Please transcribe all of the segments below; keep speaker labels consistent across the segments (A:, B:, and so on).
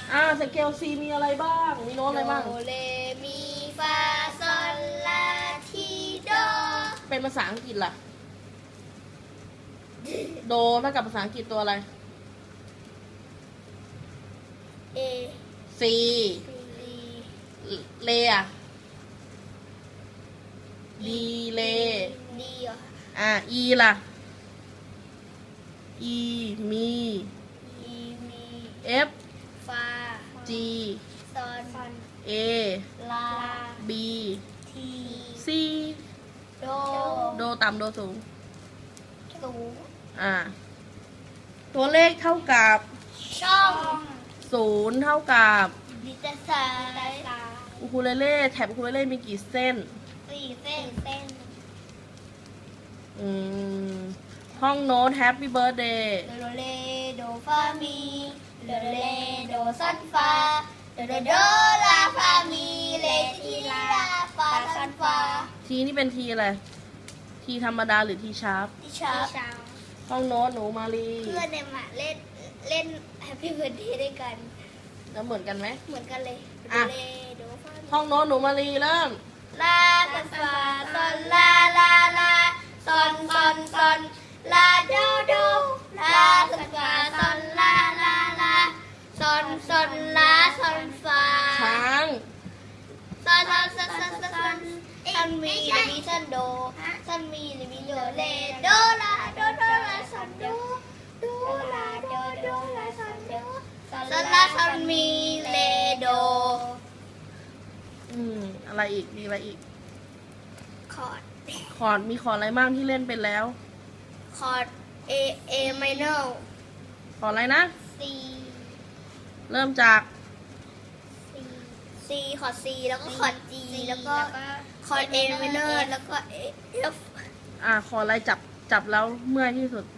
A: สเกลซีมีอะไรบ้างมีโน้ตอะไรบ้าง
B: โดเรมีฟาซอลลาทีโด
A: เป็นภาษาอังกฤษล่ะโดเท่ากับภาษาอังกฤษตัวอะไร
B: เอ
A: C เลอะดีเล
B: ดีเหรอ
A: E ล่ะ E มี
B: อีมี
A: F
B: ฟา
A: G
B: ซอน
A: A
B: ลา
A: B
B: ที
A: C
B: โด
A: โดต่ำโดสูง
B: สูง
A: ตัวเลขเท่ากับ
B: ช่อง
A: 0เท่ากับ
B: ดิจิตอล
A: อูคูเลเล่แถบอูคูเลเล่มีกี่เส้น
B: 4 เส้น
A: ท่องโน้ต Happy Birthday
B: โดเรโดฟามีโดเรโดซอนฟาโดโดลาฟามีเลทีลาฟาซอนฟา
A: ทีนี่เป็นทีอะไร ทีธรรมดาหรือทีชาร์ป
B: ที่ชาร์ป
A: ท่องโน้ตหนูมาลี
B: เพื่อนเนี่ยมาเล่นแฮปปี้เบิร์ดเดย์ด้วยกัน
A: แล้วเหมือนกันไหม
B: เหมือนกันเลยโด
A: อ่ะ
B: เรโดฟามี
A: ท่องโน้ตหนูมาลีเริ่ม
B: ลาซอนฟาซอนลาลาลาซอนซอนซอนลาโดโดลาซอนฟาซอนลาลาลาซอนซอนลาซอนฟา
A: ช้าง
B: ซอนซอนซอนซอนซอนซอนมีหรือมีซอนโดซอนมีหรือมีโดเลโดลาโดโดลาซอนโดโดลาโดโดลาซอนโดซอนลาซอนมีเลโด
A: อะไรอีก มีอะไรอีก
B: คอร์ด
A: คอร์ดมีคอร์ดอะไรบ้างที่เล่นเป็นแล้ว
B: คอร์ด A minor
A: คอร์ดอะไรนะ
B: C
A: เริ่มจาก
B: C คอร์ด C แล้วก็คอร์ด G แล้วก็คอร์ด A minor แล้วก็ F
A: คอร์ดอะไรจับแล้วเมื่อยที่สุด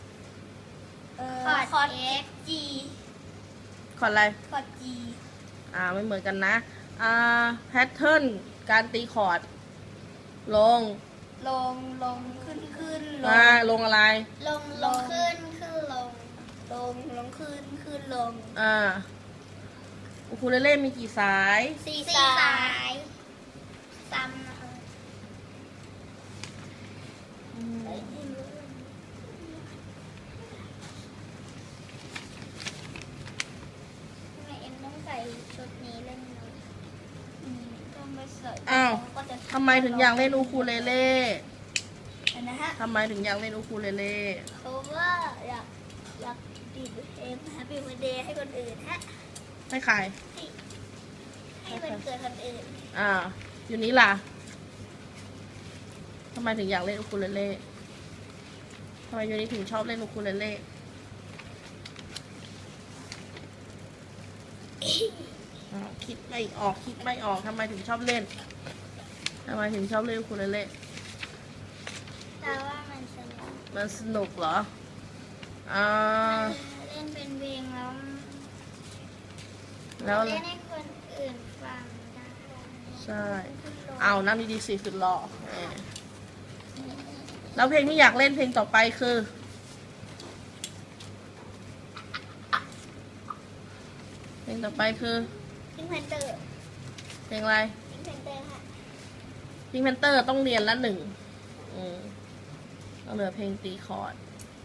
B: คอร์ด G
A: คอร์ดอะไร
B: คอร์ด G
A: ไม่เหมือนกันนะแพทเทิร์นการตีคอร์ด ลง
B: ลงขึ้น
A: ลงอะไร
B: ลงขึ้นลงลงขึ้นลง
A: อูคูเลเล่มีกี่สาย
B: 4 สายซ้ำนะคะทำไมเอ็มต้องใส่ชุดนี้เล่นเนาะต้องไปใส่ ก็จะ
A: ทำไมถึงอยากเล่นอูคูเลเล่
B: นะฮะ
A: ทำไมถึงอยากเล่นอูคูเลเล่
B: เพราะว่าอยากดีดเพลงแฮปปี้เบิร์ดเดย์ให้คนอื่นฮะ
A: ให้ใคร
B: ให้วันเกิดคนอื่น
A: อยู่นี้ล่ะ ทำไมถึงอยากเล่นอูคูเลเล่ทำไมอยู่นี้ถึงชอบเล่นอูคูเลเล่คิดไม่ออกทำไมถึงชอบเล่นอูคูเลเล่
B: แต่ว่ามันสนุก
A: มันสนุกเหรอ
B: เล่นเป็นเพลงแล้ว
A: แล้ว
B: เล่นให้คนอื่นฟังได้
A: ใช่น้ำดีๆสิสุดหล่อแล้วเพลงที่อยากเล่นเพลงต่อไปคือ เพลงต่อไปคือ
B: พิงค์แพนเตอร์
A: เพลงอะไร
B: พิงค์แพนเตอร์ค่ะ
A: พิงแพนเตอร์ต้องเรียนละ1ต้องเหลือเพลงตีคอร์ด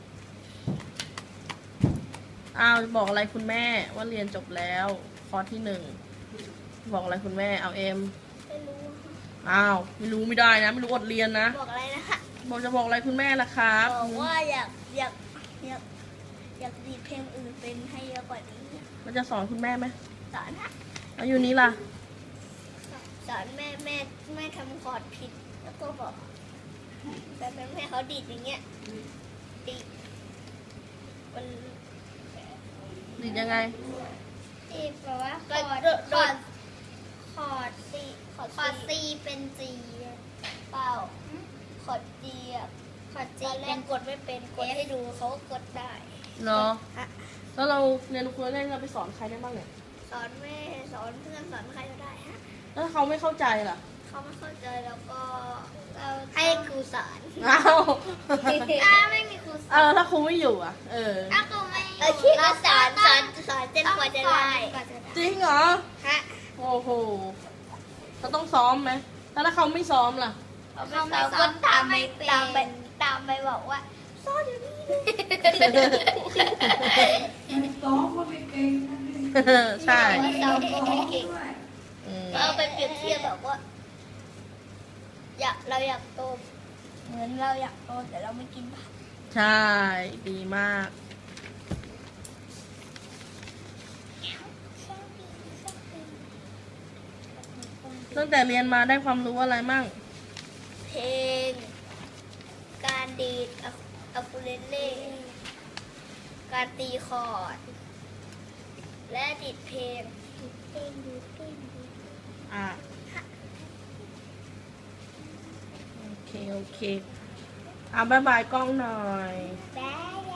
A: บอกอะไรคุณแม่ว่าเรียนจบแล้วคอร์สที่1บอกอะไรคุณแม่เอ็ม
B: ไม่รู้
A: ไม่รู้ไม่ได้นะไม่รู้อดเรียนนะ
B: บอกอะไรนะคะ
A: บอกอะไรคุณแม่ล่ะครับ
B: บอกว่าอยากดีดเพลงอื่นเป็นให้เยอะกว่านี้
A: มันจะสอนคุณแม่ไหม
B: สอนฮะ
A: แล้วอยู่นี้ล่ะ
B: สอนแม่ทำคอร์ดผิดแล้วก็บอกแต่แม่เขาดีดอย่างเงี้ยดีดมัน
A: ดีดยังไง
B: ดีดแปลว่าคอร์ดซีเป็นจีเปล่าคอร์ดจีเป็นกดไม่เป็นกดให้ดูเขาก็กดได้
A: เนาะแล้วเราเรียนอูคูเลเล่เราไปสอนใครได้บ้างเนี่ย
B: สอนแม่สอนเพื่อนสอนใครก็ได้ฮะ
A: แล้วเขาไม่เข้าใจล่ะ
B: เขาไม่เข้าใจแล้วก็ให้ครูสอน
A: อ้าว
B: ไม่มีครูสอน
A: ถ้าครูไม่อยู่ถ้า
B: ครูไม่โอเคก็สอนจนกว่าจะได้
A: จริงเหรอ
B: ฮะ
A: โอ้โหเขาต้องซ้อมไหมแล้วถ้าเขาไม่ซ้อมล่ะ
B: เขาไม่สอนตามไปบอกว่าสอนอยู่นี่
C: ซ้อมก็ไม่เก่งนะนี่
A: ใช่
B: ว่าซ้อมก็ไม่เก่ง
A: อืม
B: เอาไปเปรียบเทียบแบบว่าเราอยากโตเหมือนเราอยากโตแต่เราไม่กินผัก
A: ใช่ดีมาก ตั้งแต่เรียนมาได้ความรู้อะไรมั่ง
B: เพลง การดีดอะคูเลเล่การตีคอร์ด และดีดเพลง
A: อ่ะโอเค อ่ะบายบายกล้องหน่อย
B: ได้